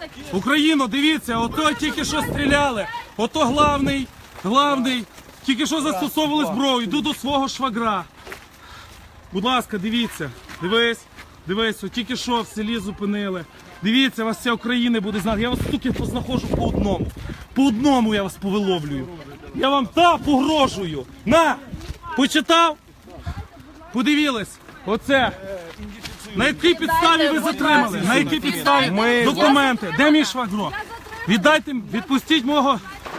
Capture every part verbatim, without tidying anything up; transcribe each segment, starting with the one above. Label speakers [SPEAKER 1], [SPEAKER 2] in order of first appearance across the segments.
[SPEAKER 1] Україно, дивіться, ото тільки що стріляли. Ото главний, главний, тільки що застосовували зброю. Йду до свого швагра. Будь ласка, дивіться, дивись, дивись, от тільки що в селі зупинили. Дивіться, вас вся Україна буде знати. Я вас тільки познаходжу по одному. По одному я вас повиловлюю. Я вам та погрожую. На! Почитав? Подивились. Оце. На якій підставі ви затримали? На якій підставі?
[SPEAKER 2] Ми-
[SPEAKER 1] Документи. Де мій швагро? Віддайте, відпустіть мого.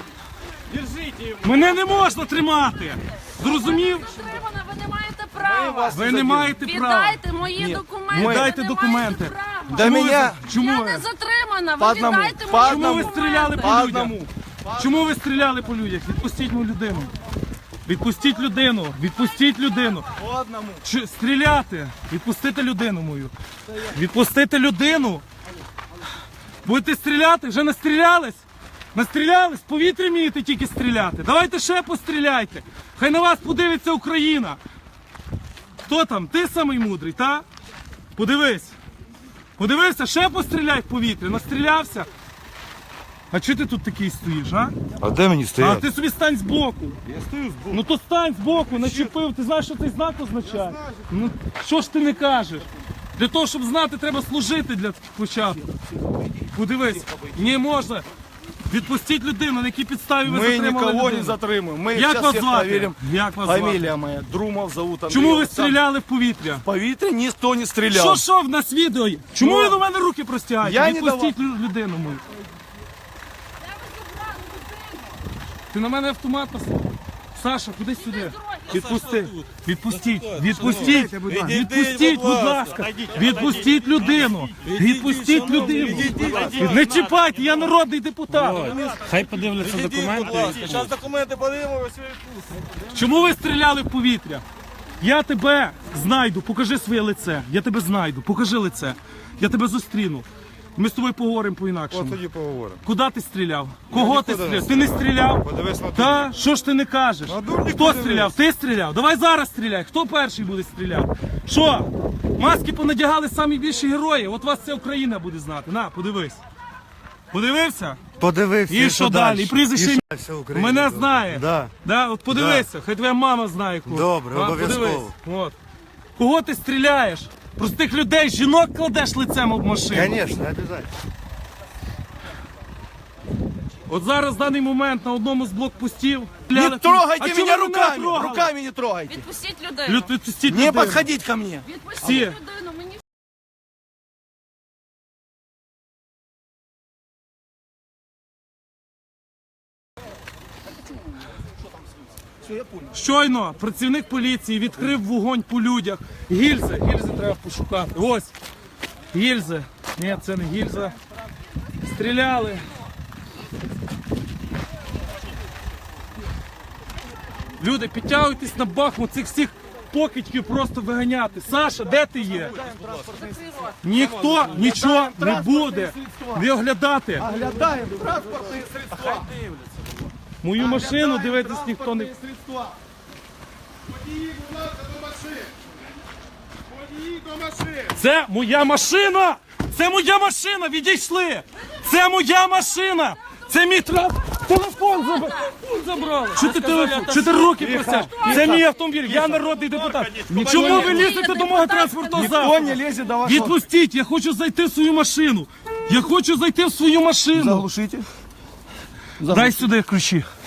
[SPEAKER 1] Мене не можна тримати. Зрозумів?
[SPEAKER 3] Затримана, ви не маєте права.
[SPEAKER 1] Ви не маєте права.
[SPEAKER 3] Віддайте мої документи.
[SPEAKER 1] Віддайте
[SPEAKER 3] ви не
[SPEAKER 1] документи.
[SPEAKER 3] маєте права.
[SPEAKER 2] До
[SPEAKER 1] Чому ви-
[SPEAKER 2] меня
[SPEAKER 1] Чому
[SPEAKER 3] Я
[SPEAKER 1] ви?
[SPEAKER 3] не затримана,
[SPEAKER 2] По
[SPEAKER 3] ви
[SPEAKER 2] одному,
[SPEAKER 3] віддайте
[SPEAKER 2] по
[SPEAKER 3] мої
[SPEAKER 1] Чому ви
[SPEAKER 3] документи.
[SPEAKER 1] стріляли по
[SPEAKER 2] по
[SPEAKER 1] людях?
[SPEAKER 2] одному.
[SPEAKER 1] Чому ви стріляли по людях? Відпустіть мою людину. Відпустіть людину. Відпустіть людину.
[SPEAKER 2] По одному.
[SPEAKER 1] Чи стріляти? Відпустити людину мою. Відпустити людину. Будете стріляти? Вже настрілялись? Настрілялись? В повітрі вмієте тільки стріляти. Давайте ще постріляйте. Хай на вас подивиться Україна. Хто там? Ти самий мудрий, та? Подивись. Подивився, ще постріляй в повітрі. Настрілявся. А чого ти тут такий стоїш, а?
[SPEAKER 2] А де мені
[SPEAKER 1] А
[SPEAKER 2] стояти?
[SPEAKER 1] ти собі стань збоку.
[SPEAKER 2] Я стою збоку.
[SPEAKER 1] Ну то стань збоку, начепив. Ти знаєш, що цей знак означає? Ну що ж ти не кажеш? Для того, щоб знати, треба служити для початку. Подивись, не можна. Відпустіть людину, на якій підставі ви
[SPEAKER 2] Мы
[SPEAKER 1] затримали
[SPEAKER 2] никого
[SPEAKER 1] людину.
[SPEAKER 2] не затримуем. Мы
[SPEAKER 1] Як
[SPEAKER 2] сейчас
[SPEAKER 1] вас
[SPEAKER 2] всех
[SPEAKER 1] звати?
[SPEAKER 2] проверим.
[SPEAKER 1] Як вас звати?
[SPEAKER 2] Фамилия моя. Друмов зовут Андрей.
[SPEAKER 1] Чому ви
[SPEAKER 2] Олександр.
[SPEAKER 1] стріляли в повітря?
[SPEAKER 2] В повітря ніхто не стріляв.
[SPEAKER 1] Що що в нас відео є? Чому
[SPEAKER 2] Ну,
[SPEAKER 1] ви до мене руки простягаєте?
[SPEAKER 2] я не
[SPEAKER 1] Відпустіть лю- людину мою. Ти на мене автомат поставив? Саша, куди сюди? Відпусти. Відпустіть. Відпустіть. Відпустіть, будь ласка. Відпустіть людину. Відпустіть людину. Не чіпайте, я народний депутат.
[SPEAKER 4] Хай подивляться документи.
[SPEAKER 2] Зараз документи подивимося.
[SPEAKER 1] Чому ви стріляли в повітря? Я тебе знайду, покажи своє лице. Я тебе знайду, покажи лице. Я тебе зустріну. Ми з тобою поговоримо по-інакшому.
[SPEAKER 2] Тоді поговоримо.
[SPEAKER 1] Куди ти стріляв? Кого ти стріляв? Ти не стріляв?
[SPEAKER 2] Подивись на
[SPEAKER 1] Та? Що ж ти не кажеш?
[SPEAKER 2] На дурні
[SPEAKER 1] Хто
[SPEAKER 2] подивись.
[SPEAKER 1] стріляв? Ти стріляв? Давай зараз стріляй. Хто перший буде стріляти? Що? Маски понадягали самі більші герої. От вас вся Україна буде знати. На, подивись. Подивився?
[SPEAKER 2] Подивився.
[SPEAKER 1] І що далі? І прізвище ім'я?
[SPEAKER 2] вся Україна
[SPEAKER 1] Мене
[SPEAKER 2] добре.
[SPEAKER 1] знає.
[SPEAKER 2] Да.
[SPEAKER 1] Да, от подивися, хай твоя мама знає кого.
[SPEAKER 2] Добре,
[SPEAKER 1] А,
[SPEAKER 2] обов'язково.
[SPEAKER 1] подивись. От. Кого ти стріляєш? Простих людей, жінок кладеш лицем об машину.
[SPEAKER 2] Конечно, обязательно.
[SPEAKER 1] От зараз в даний момент на одному з блокпостів.
[SPEAKER 2] Не трогайте
[SPEAKER 1] А чому
[SPEAKER 2] меня
[SPEAKER 1] ви
[SPEAKER 2] руками.
[SPEAKER 1] трогали?
[SPEAKER 2] Руками не трогайте.
[SPEAKER 3] Відпустіть людину.
[SPEAKER 1] Люд, відпустіть
[SPEAKER 2] Не
[SPEAKER 1] людину.
[SPEAKER 2] подходить ко мне.
[SPEAKER 3] Відпустіть
[SPEAKER 1] Всі.
[SPEAKER 3] людину. Мені
[SPEAKER 1] Щойно працівник поліції відкрив вогонь по людях. Гільзи, гільзи треба пошукати. Ось. Гільзи. Ні, це не гільза. Стріляли. Люди, підтягуйтесь на Бахмут, цих всіх покидьків просто виганяти. Саша, де ти є? Ніхто нічого не буде не оглядати.
[SPEAKER 2] Оглядаємо транспортні средства.
[SPEAKER 1] Мою машину дивитись ніхто не...
[SPEAKER 2] Средства. Водії, будь ласка, до машин. Водії до машин.
[SPEAKER 1] Це моя машина! Це моя машина! Відійшли! Це моя машина! Це мій трап! Телефон забрали! забрали! Що ти телефон? Що ти руки просиш? Це мій автомобіль, я народний депутат. Чому ви лізете до мого транспортного
[SPEAKER 2] Ніхто
[SPEAKER 1] засобу?
[SPEAKER 2] не лізе до вашого.
[SPEAKER 1] Відпустіть, я хочу зайти в свою машину. Я хочу зайти в свою машину.
[SPEAKER 2] Заглушите.
[SPEAKER 1] Дай сюди ключі.